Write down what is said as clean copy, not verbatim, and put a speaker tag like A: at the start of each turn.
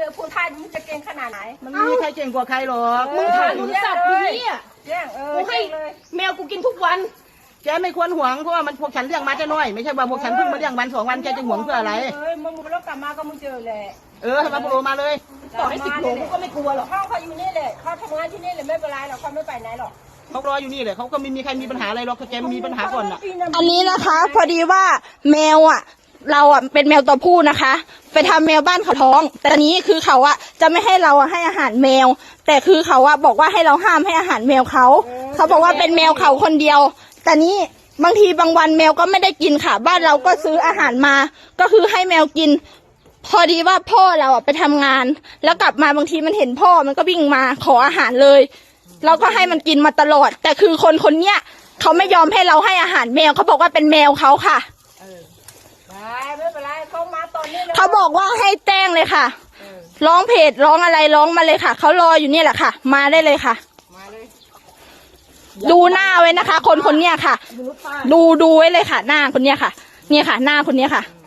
A: อพูดไทยมึงจะเก่งขนาดไหน
B: มันไม่มีใครเก่งกว่าใครหรอก
A: มึงทานสัตว์อย่างนี้แย่ง
B: กูให้แมวกูกินทุกวันแกไม่ควรหวงเพราะว่ามันพวกฉันเลี้ยงมาจะน้อยไม่ใช่ว่าพวกฉันเพิ่งมาเลี้ยงวัน2 วันแกจะหวงเพื่ออะไร
A: มึงแล้วกลับมาก็มึงเจอแหละ
B: ทำไมโผล่มาเลยต่อให้10 โลกูก็ไม่กลัวหรอก
A: เขาอยู่นี่เลยเขาทำงานที่นี่เลยไม่เป็นไรหรอกเขาไม่ไปไหนหรอก
B: เขารออยู่นี่เลยเขาก็ไม่มีใครมีปัญหาอะไรหรอกแกมีปัญหาก่อน
C: อันนี้นะคะพอดีว่าแมวเราเป็นแมวตัวผู้นะคะไปทำแมวบ้านเขาท้องแต่ตอนนี้คือเขาจะไม่ให้เราให้อาหารแมวแต่คือเขาบอกว่าให้เราห้ามให้อาหารแมวเขาบอกว่าเป็นแมวเขาคนเดียวแต่นี้บางทีบางวันแมวก็ไม่ได้กินค่ะบ้านเราก็ซื้ออาหารมาก็คือให้แมวกินพอดีว่าพ่อเราไปทำงานแล้วกลับมาบางทีมันเห็นพ่อมันก็วิ่งมาขออาหารเลยเราก็ให้มันกินมาตลอดแต่คือคนเนี้ยเขาไม่ยอมให้เราให้อาหารแมวเขาบอกว่าเป็นแมวเขาค่ะ
A: ไม่เป็นไรเขามาตอนนี้
C: เขาบอกว่าให้แจ้งเลยค่ะร้องเพจร้องอะไรร้องมาเลยค่ะเขารออยู่นี่แหละค่ะมาได้เลยค่ะ
A: มาเลย
C: ดูหน้าไว้นะคะคนเนี้ยค่ะดูไว้เลยค่ะหน้าคนเนี้ยค่ะเนี่ยค่ะหน้าคนเนี้ยค่ะ